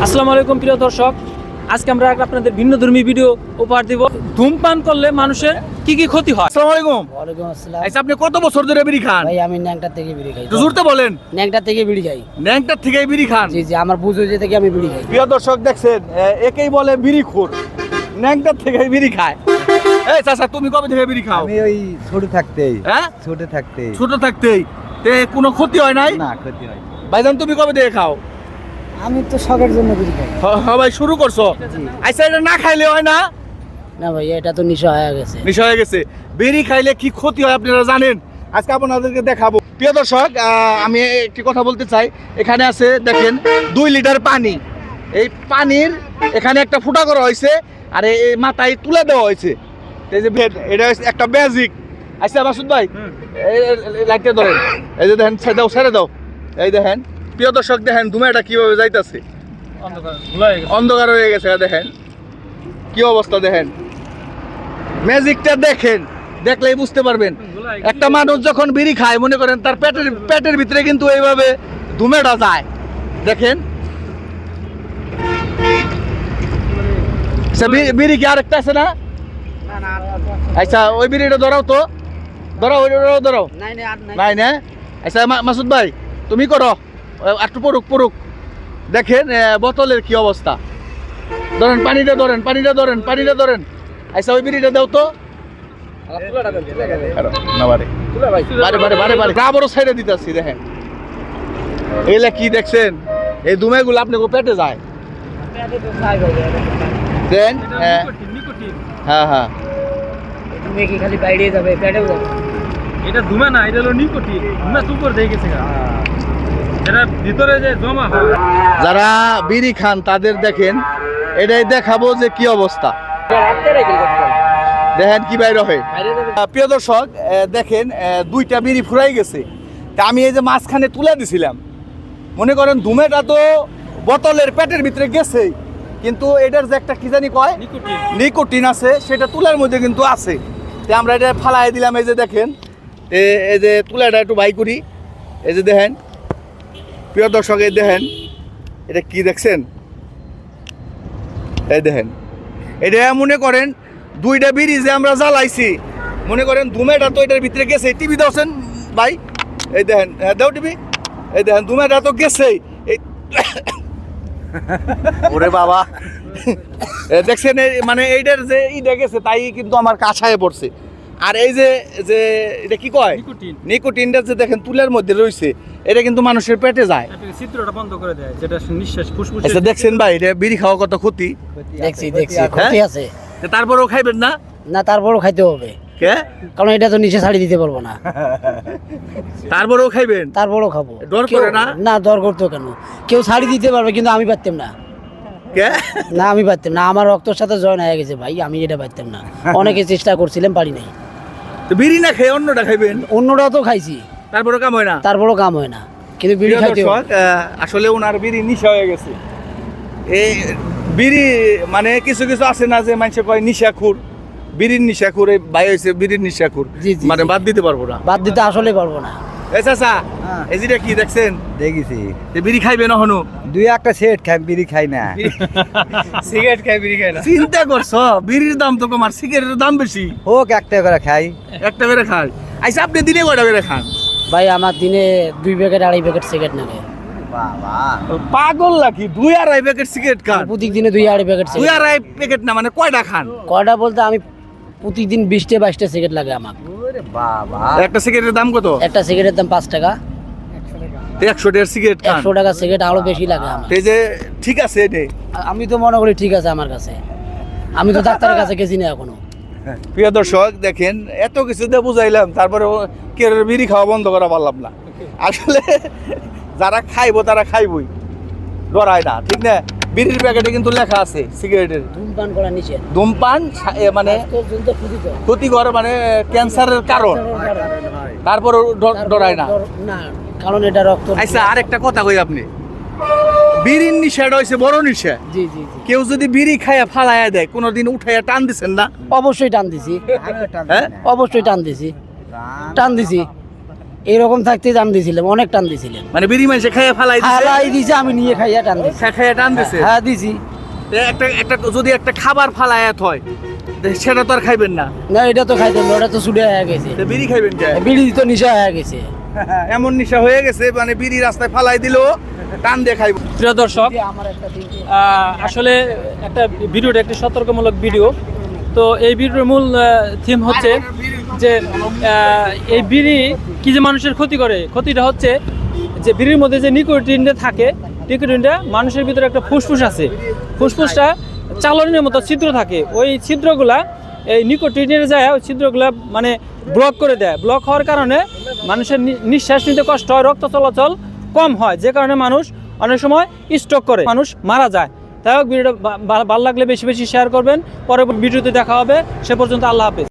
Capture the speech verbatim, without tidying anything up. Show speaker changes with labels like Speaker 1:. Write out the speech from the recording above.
Speaker 1: আসসালামু আলাইকুম প্রিয় দর্শক, আজকে আমরা আপনাদের ভিন্নধর্মী ভিডিও উপহার দিব। ধূমপান করলে মানুষের কি কি ক্ষতি হয়।
Speaker 2: আসসালামু আলাইকুম।
Speaker 3: ওয়ালাইকুম আসসালাম।
Speaker 2: আচ্ছা, আপনি কত বছর ধরে বিড়ি খান?
Speaker 3: ভাই আমি ন্যাংটা থেকে বিড়ি খাই।
Speaker 2: একটু জোরতে বলেন।
Speaker 3: ন্যাংটা থেকে বিড়ি খাই।
Speaker 2: ন্যাংটার থেকে বিড়ি খান?
Speaker 3: জি জি, আমার বুঝ হয়েছে থেকে আমি বিড়ি খাই।
Speaker 2: প্রিয় দর্শক দেখছেন, একেই বলে বিড়িখোর, ন্যাংটার থেকে বিড়ি খায়। এই চাচা, তুমি কবে থেকে বিড়ি খাও?
Speaker 4: আমি ওই ছোট থাকতেই।
Speaker 2: হ্যাঁ,
Speaker 4: ছোট থাকতেই।
Speaker 2: ছোট থাকতেই। তে কোনো ক্ষতি হয় নাই?
Speaker 4: না, ক্ষতি হয়।
Speaker 2: ভাইজান, তুমি কবে থেকে খাও?
Speaker 3: আমি তো শখের জন্য বিড়ি খাই।
Speaker 2: হ্যাঁ ভাই, শুরু করছো। আচ্ছা, এটা না খাইলে হয় না?
Speaker 3: না ভাই, এটা তো নেশা হয়ে গেছে।
Speaker 2: নেশা হয়ে গেছে। বিড়ি খাইলে কি ক্ষতি হয় আপনারা জানেন? আজকে আপনাদেরকে দেখাবো। প্রিয় দর্শক, আমি একটি কথা বলতে চাই। এখানে আছে দেখেন দুই লিটার পানি। এই পানির এখানে একটা ফুটা করা হয়েছে, আর এই মাথায় তুলে দেওয়া হয়েছে। এই যে এটা একটা ম্যাজিক। আচ্ছা মাসুদ ভাই, লাইটটা ধরেন। এই যে দেখেন, ছেড়ে দাও ছেড়ে দাও। এই দেখেন প্রিয় দর্শক, দেখেন ধুমাটা কিভাবে যাইতেছে, অন্ধকার হয়ে গেছে। দেখেন কি অবস্থা, দেখেন ম্যাজিকটা দেখেন, দেখলেই বুঝতে পারবেন। একটা মানুষ যখন বিড়ি খায়, মনে করেন তার পেটের পেটের ভিতরে কিন্তু এইভাবে ধুমেটা যায়। দেখেন বিড়ি কি আরেকটা আছে না? আচ্ছা, ওই বিড়িটা ধরাও তো, ধরাও ওই ধরাও। নাই না? আচ্ছা মাসুদ ভাই, তুমি করো একটু পড়ুক পড়ুক। দেখেন বোতলের কি অবস্থা। ধরেন পানিটা, ধরেন পানিটা, ধরেন পানিটা ধরেন। আচ্ছা, ওই বিড়িটা দাও তো। সাইডে দিতেছি। দেখেন এগুলা কি দেখছেন? এই ধুমেগুলো আপনি পেটে যায়। দেন হ্যাঁ হ্যাঁ,
Speaker 3: তুমি কি খালি বাইরে যাবে, পেটেও যাবে?
Speaker 1: এটা ধুমা না, এটা হলো নিকোটিন। ধুমা সুপার দিয়ে গেছে, যেটা ভিতরে যে জমা হয়।
Speaker 2: যারা বিড়ি খান তাদের দেখেন, এটাই দেখাবো যে কি অবস্থা। দেখেন কি বাইরে হয়। প্রিয় দর্শক দেখেন, দুইটা বিড়ি ফুরাই গেছে। তা আমি এই যে মাঝখানে তুলে দিছিলাম, মনে করেন ধুমেটা তো বোতলের পেটের ভিতরে গেছে, কিন্তু এটার যে একটা কি জানি কয় নিকোটিন আছে, সেটা তুলার মধ্যে কিন্তু আছে। তা আমরা এটা ফালাই দিলাম। এই যে দেখেন, এই যে তুলাটা একটু বাই করি। এই যে দেখেন প্রিয় দর্শক, এই দেখেন এটা কি দেখছেন? এই দেখেন, এটা মনে করেন দুইটা বিড়ি যে আমরা জ্বালাইছি, মনে করেন ধুমেটা তো এটার ভিতরে গেছে। টিভি দাওছেন ভাই? এই দেখেন, হ্যাঁ দাও টিভি। এই দেখেন ধুমেটা তো গেছেই। এই ওরে বাবা, দেখছেন মানে এইটার যে ইটা গেছে, তাই কিন্তু আমার কাছায় পড়ছে। আর এই যে যে এটা কি কয় নিকোটিনটা যে দেখেন তুলের মধ্যে রয়েছে, এটা কিন্তু মানুষের পেটে যায়,
Speaker 1: চিত্রটা বন্ধ করে দেয়, যেটা নিঃশ্বাস ফুসফুস।
Speaker 2: আচ্ছা দেখছেন ভাই, এটা বিড়ি খাওয়া কত ক্ষতি।
Speaker 3: দেখছি দেখছি, ক্ষতি আছে।
Speaker 2: তারপরেও খাইবেন না?
Speaker 3: না, তারপরও খাইতে হবে।
Speaker 2: কে?
Speaker 3: কারণ এটা তো নিচে ছাড়ি দিতে পারবো না।
Speaker 2: তারপরেও খাইবেন?
Speaker 3: তারপরও খাবো।
Speaker 2: ডর করে না?
Speaker 3: না, ডর করতো কেন? কেউ ছাড়ি দিতে পারবে, কিন্তু আমি পারতাম না।
Speaker 2: কে?
Speaker 3: না, আমি পারতাম না। আমার রক্তের সাথে জয়েন হয়ে গেছে ভাই, আমি এটা পারতাম না। অনেকে চেষ্টা করছিলাম, পারি নাই।
Speaker 2: তো বিড়ি না খেয়ে অন্যটা খাইবেন?
Speaker 3: অন্যটাও তো খাইছি,
Speaker 2: তারপরেও কাম হয় না?
Speaker 3: তারপরও কাম হয় না, কিন্তু বিড়ি খাইতে হবে।
Speaker 2: আসলে ওনার বিড়ি নিশা হয়ে গেছে। এই বিড়ি মানে কিছু কিছু আছে না, যে মানুষে কয় নিশাখুর, বিড়ির নিশাখুর। এই ভাই হয়েছে বিড়ির নিশাখুর, মানে বাদ দিতে পারবো না।
Speaker 3: বাদ দিতে আসলে পারবো না।
Speaker 2: এই চাচা, এই যেটা কি দেখছেন?
Speaker 4: দেখেছি।
Speaker 2: বিড়ি খাইবে না হনু?
Speaker 4: দুই একটা সেট খাই, বিড়ি খাই না।
Speaker 1: সিগারেট খাই, বিড়ি খাই না।
Speaker 2: চিন্তা করছো, বিড়ির দাম তো কম আর সিগারেটের দাম বেশি।
Speaker 4: হোক, একটা করে খাই।
Speaker 2: একটা করে খাই। আচ্ছা, আপনি দিনে কয়টা করে খান?
Speaker 3: ভাই আমার দিনে দুই প্যাকেট আড়াই প্যাকেট সিগারেট নাগে।
Speaker 4: বাবা
Speaker 2: পাগল নাকি? দুই আড়াই প্যাকেট সিগারেট খান?
Speaker 3: প্রত্যেক দিনে দুই আড়াই প্যাকেট
Speaker 2: দুই
Speaker 3: সিগারেট।
Speaker 2: আড়াই প্যাকেট না, মানে কয়টা খান?
Speaker 3: কয়টা বলতে আমি প্রতিদিন বিশটা বাইশটা সিগারেট লাগে আমার।
Speaker 4: বাবা,
Speaker 2: একটা সিগারেটের দাম কত?
Speaker 3: একটা সিগারেটের দাম পাঁচ টাকা।
Speaker 2: একশো টাকার সিগারেট খান?
Speaker 3: একশো টাকা সিগারেট আরো বেশি লাগে আমার।
Speaker 2: এই যে ঠিক আছে, এটাই
Speaker 3: আমি তো মনে করি ঠিক আছে আমার কাছে। আমি তো ডাক্তারের কাছে গেছি না এখনো।
Speaker 2: প্রিয় দর্শক দেখেন, এত কিছু দিয়ে বুঝাইলাম, তারপরে কে বিড়ি খাওয়া বন্ধ করা পারলাম না। আসলে যারা খাইবো তারা খাইবই, ডরায় না, ঠিক না? বিড়ির প্যাকেটে কিন্তু লেখা আছে সিগারেটের
Speaker 3: ধূমপান করা নিষেধ।
Speaker 2: ধূমপান মানে ক্ষতিকর, মানে ক্যান্সারের কারণ। তারপর ডরায় না,
Speaker 3: না, কারণ এটা রক্ত।
Speaker 2: আচ্ছা, আরেকটা কথা কই, আপনি বিড়ির নিশাটা হইছে বড় নিশা।
Speaker 3: জি জি জি।
Speaker 2: কেউ যদি বিড়ি খাইয়া ফালাইয়া দেয়, কোনোদিন উঠাইয়া টান দিছেন না?
Speaker 3: অবশ্যই টান দিছি।
Speaker 2: হ্যাঁ,
Speaker 3: অবশ্যই টান দিছি, টান দিছি। এইরকম থাকতে টান দিয়েছিলাম, অনেক টান দিয়েছিলাম।
Speaker 2: মানে বিড়ি মানুষে খাইয়ে ফালাই দিছে
Speaker 3: হালাই দিছে, আমি নিয়ে খাইয়া টান দিছি।
Speaker 2: খা- খাইয়ে টান দিছে
Speaker 3: হ্যাঁ দিছি।
Speaker 2: এ একটা একটা যদি একটা খাবার ফালায়াত হয় তে সেটা তো আর খাইবেন না,
Speaker 3: না এটা তো খাইতাম না, ওটা তো ছুটে হয়ে গেছে।
Speaker 2: তে বিড়ি খাইবেন কে?
Speaker 3: বিড়ি তো নিশা হয়ে গেছে।
Speaker 2: এমন নেশা হয়ে গেছে মানে বিড়ি রাস্তায় ফালাই দিলো টান দিয়ে খাইব।
Speaker 1: প্রিয় দর্শক,
Speaker 3: আমার একটা দিন
Speaker 1: আহ, আসলে একটা ভিডিওটা একটি সতর্কমূলক ভিডিও। তো এই ভিডিওর মূল থিম হচ্ছে যে আহ, এই বিড়ি কি যে মানুষের ক্ষতি করে। ক্ষতিটা হচ্ছে যে বিড়ির মধ্যে যে নিকোটিনটা থাকে, নিকোটিনটা মানুষের ভিতরে একটা ফুসফুস আছে, ফুসফুসটা চালনের মতো ছিদ্র থাকে। ওই ছিদ্রগুলা এই নিকোটিনের যায়, ওই ছিদ্রগুলা মানে ব্লক করে দেয়। ব্লক হওয়ার কারণে মানুষের নি- নিঃশ্বাস নিতে কষ্ট হয়, রক্ত চলাচল কম হয়, যে কারণে মানুষ অনেক সময় স্ট্রোক করে, মানুষ মারা যায়। তাই হোক, ভিডিওটা ভালো লাগলে বেশি বেশি শেয়ার করবেন। পরে ভিডিওতে দেখা হবে। সে পর্যন্ত আল্লাহ হাফেজ।